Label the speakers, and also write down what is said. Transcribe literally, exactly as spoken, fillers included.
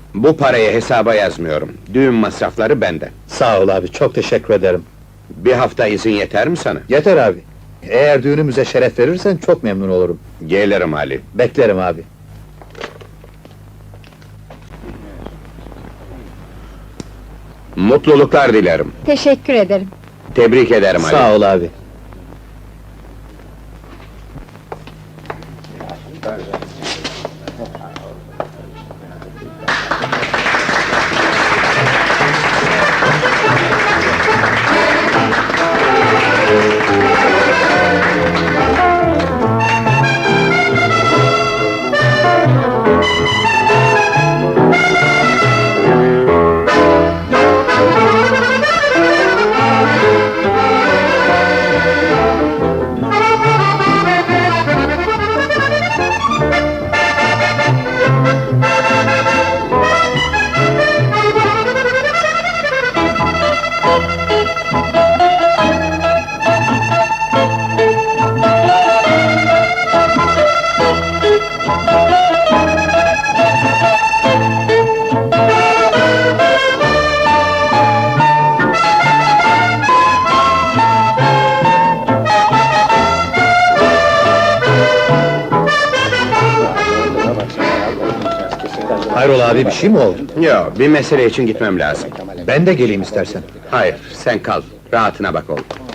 Speaker 1: Bu parayı hesaba yazmıyorum. Düğün masrafları bende.
Speaker 2: Sağ ol abi, çok teşekkür ederim.
Speaker 1: Bir hafta izin yeter mi sana?
Speaker 2: Yeter abi. Eğer düğünümüze şeref verirsen çok memnun olurum.
Speaker 1: Gelirim Ali.
Speaker 2: Beklerim abi.
Speaker 1: Mutluluklar dilerim.
Speaker 3: Teşekkür ederim.
Speaker 1: Tebrik ederim Ali.
Speaker 2: Sağ ol abi. Hayrola abi, bir şey mi oldu?
Speaker 1: Yok, bir mesele için gitmem lazım.
Speaker 2: Ben de geleyim istersen.
Speaker 1: Hayır, sen kal. Rahatına bak oğlum.